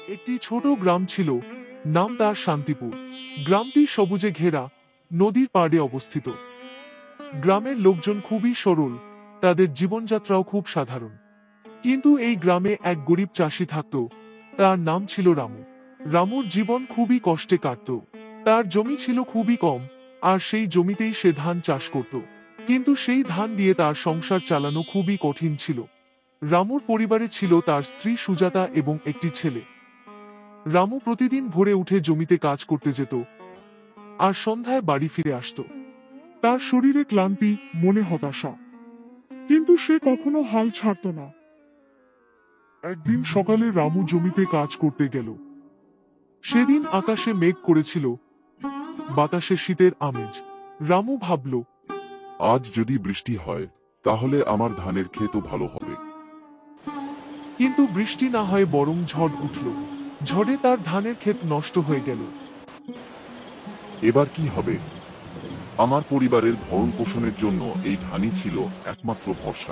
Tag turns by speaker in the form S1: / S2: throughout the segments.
S1: একটি ছোট গ্রাম ছিল, নাম তার শান্তিপুর। গ্রামটি সবুজে ঘেরা, নদীর পাড়ে অবস্থিত। গ্রামের লোকজন খুবই সরল, তাদের জীবনযাত্রাও খুব সাধারণ। কিন্তু এই গ্রামে এক গরিব চাষি থাকত, তার নাম ছিল রামু। রামুর জীবন খুবই কষ্টে কাটত। তার জমি ছিল খুবই কম, আর সেই জমিতেই সে ধান চাষ করত। কিন্তু সেই ধান দিয়ে তার সংসার চালানো খুবই কঠিন ছিল। রামুর পরিবারে ছিল তার স্ত্রী সুজাতা এবং একটি ছেলে। রামু প্রতিদিন ভোরে উঠে জমিতে কাজ করতে যেত, আর সন্ধ্যায় বাড়ি ফিরে আসত।
S2: তার শরীরে ক্লান্তি, মনে হতাশা, কিন্তু সে কখনো হাল ছাড়ত না। একদিন সকালে রামু জমিতে কাজ করতে গেল।
S1: সেদিন আকাশে মেঘ করেছিল, বাতাসে শীতের আমেজ। রামু ভাবল,
S3: আজ যদি বৃষ্টি হয় তাহলে আমার ধানের ক্ষেতও ভালো হবে।
S1: কিন্তু বৃষ্টি না হয় বরং ঝড় উঠল। ঝড়ে তার ধানের ক্ষেত নষ্ট হয়ে গেল।
S3: এবার কি হবে? আমার পরিবারের ভরণ পোষণের জন্য এই ধানই ছিল একমাত্র ভরসা।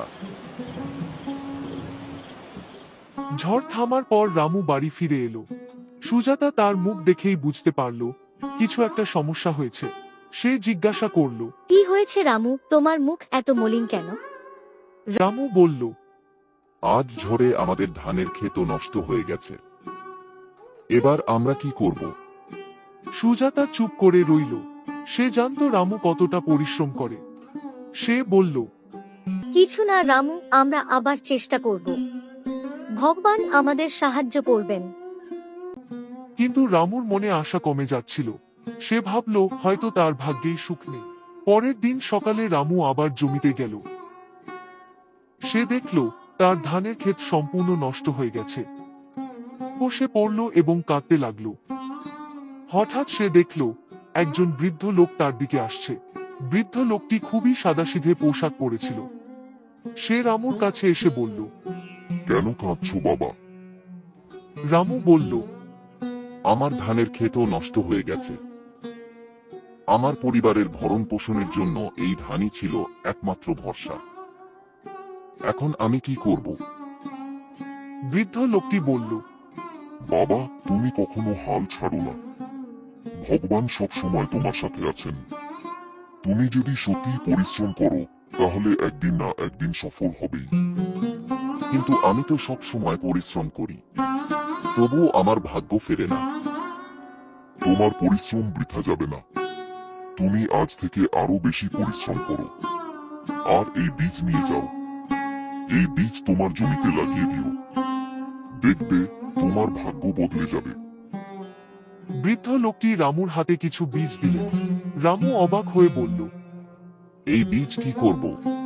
S1: ঝড় থামার পর রামু বাড়ি ফিরে এলো। সুজাতা তার মুখ দেখেই বুঝতে পারল কিছু একটা সমস্যা হয়েছে। সে জিজ্ঞাসা করল।
S4: কি হয়েছে রামু, তোমার মুখ এত মলিন কেন?
S1: রামু বলল,
S3: আজ ঝড়ে আমাদের ধানের ক্ষেতও নষ্ট হয়ে গেছে। এবার আমরা কি করব?
S1: সুজাতা চুপ করে রইল। সে জানত রামু কতটা পরিশ্রম করে। সে বলল,
S4: কিছু না রামু, আমরা আবার চেষ্টা করব। ভগবান আমাদের সাহায্য করবেন।
S1: কিন্তু রামুর মনে আশা কমে যাচ্ছিল। সে ভাবল হয়তো তার ভাগ্যেই সুখ নেই। পরের দিন সকালে রামু আবার জমিতে গেল। সে দেখল তার ধানের ক্ষেত সম্পূর্ণ নষ্ট হয়ে গেছে। বসে পড়ল এবং কাঁদতে লাগলো। হঠাৎ সে দেখল একজন বৃদ্ধ লোক তার দিকে আসছে। বৃদ্ধ লোকটি খুবই সাদাসিধে পোশাক পরেছিল। সে রামুর কাছে এসে বলল,
S3: কেন কাঁদছো বাবা?
S1: রামু বলল,
S3: আমার ধানের ক্ষেতও নষ্ট হয়ে গেছে। আমার পরিবারের ভরণ পোষণের জন্য এই ধানই ছিল একমাত্র ভরসা। এখন আমি কি করব?
S1: বৃদ্ধ লোকটি বলল,
S3: বাবা, তুমি কখনো হাল ছাড়ো না। ভগবান সব সময় তোমার সাথে আছেন। তুমি যদি সত্যি পরিশ্রম করো তাহলে একদিন না একদিন সফল হবেই। কিন্তু আমি তো সব সময় পরিশ্রম করি, তবুও আমার ভাগ্য ফেরে না। তোমার পরিশ্রম বৃথা যাবে না। তুমি আজ থেকে আরো বেশি পরিশ্রম করো, আর এই বীজ নিয়ে যাও। এই বীজ তোমার জমিতে লাগিয়ে দিও। দেখবে তোমার ভাগ্য বদলে যাবে।
S1: বৃদ্ধ লোকটি রামুর হাতে কিছু বীজ দিলেন। রামু অবাক হয়ে বলল,
S3: এই বীজ কি করব?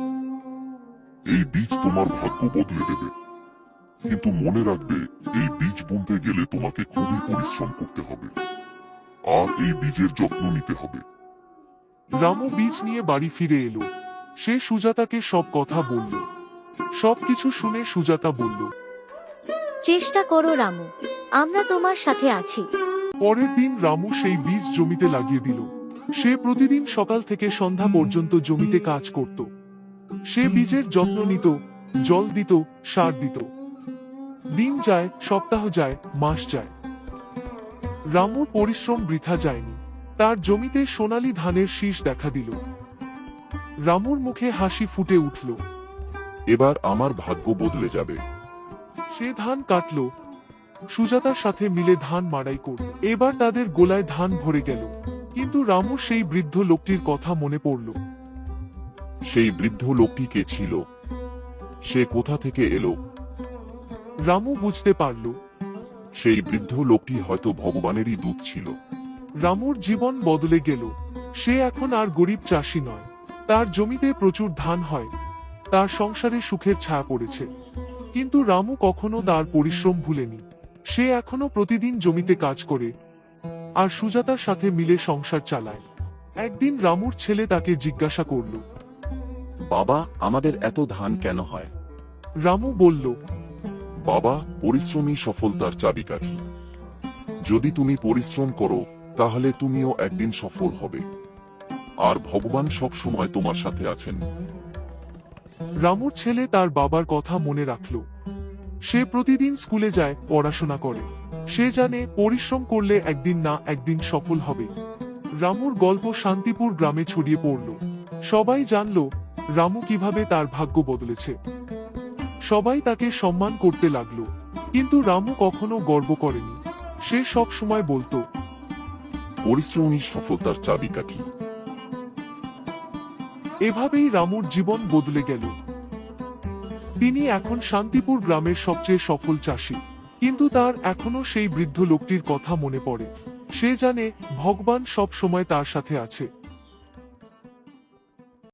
S3: এই বীজ তোমার ভাগ্য বদলে দেবে। কিন্তু মনে রাখবে, এই বীজ বুনতে গেলে তোমাকে খুবই পরিশ্রম করতে হবে, আর এই বীজের যত্ন নিতে হবে।
S1: রামু বীজ নিয়ে বাড়ি ফিরে এলো। সে সুজাতাকে সব কথা বলল। সবকিছু শুনে সুজাতা বলল,
S4: চেষ্টা করো রামু, আমরা তোমার সাথে আছি।
S1: পরের দিন রামু সেই বীজ জমিতে লাগিয়ে দিল। সে প্রতিদিন সকাল থেকে সন্ধ্যা পর্যন্ত জমিতে কাজ করত। সে বীজের যত্ন নিত, জল দিত, সার দিত। দিন যায়, সপ্তাহ যায়, মাস যায়। রামুর পরিশ্রম বৃথা যায়নি। তার জমিতে সোনালী ধানের শীষ দেখা দিল। রামুর মুখে হাসি ফুটে উঠল।
S3: এবার আমার ভাগ্য বদলে যাবে।
S1: সে ধান কাটল, সুজাতার সাথে মিলে ধান মাড়াই করল। এবার তাদের গোলায় ধান ভরে গেল। কিন্তু রামুর সেই বৃদ্ধ লোকটির কথা মনে পড়ল।
S3: সেই বৃদ্ধ লোকটি কে ছিল? সে কোথা থেকে এলো?
S1: রামু বুঝতে পারল
S3: সেই বৃদ্ধ লোকটি হয়তো ভগবানেরই দূত ছিল।
S1: রামুর জীবন বদলে গেল। সে এখন আর গরিব চাষি নয়। তার জমিতে প্রচুর ধান হয়। তার সংসারে সুখের ছায়া পড়েছে। কিন্তু রামু কখনো তার পরিশ্রম ভুলেনি। সে এখনো প্রতিদিন জমিতে কাজ করে, আর সুজাতার সাথে মিলে সংসার চালায়। একদিন রামুর ছেলে তাকে জিজ্ঞাসা করল,
S5: বাবা, আমাদের এত ধান কেন হয়?
S1: রামু বলল,
S3: বাবা, পরিশ্রমই সফলতার চাবিকাঠি। যদি তুমি পরিশ্রম করো তাহলে তুমিও একদিন সফল হবে, আর ভগবান সব সময় তোমার সাথে আছেন।
S1: রামুর ছেলে তার বাবার কথা মনে রাখল। সে প্রতিদিন স্কুলে যায়, পড়াশোনা করে। সে জানে পরিশ্রম করলে একদিন না একদিন সফল হবে। রামুর গল্প শান্তিপুর গ্রামে ছড়িয়ে পড়ল। সবাই জানল রামু কিভাবে তার ভাগ্য বদলেছে। সবাই তাকে সম্মান করতে লাগলো। কিন্তু রামু কখনো গর্ব করেনি। সে সব সময় বলতো,
S3: পরিশ্রমই সফলতার চাবিকাঠি।
S1: এভাবেই রামুর জীবন বদলে গেল। তিনি এখন শান্তিপুর গ্রামের সবচেয়ে সফল চাষী। কিন্তু তার এখনো সেই বৃদ্ধ লোকটির কথা মনে পড়ে। সে জানে ভগবান সব সময় তার সাথে আছে।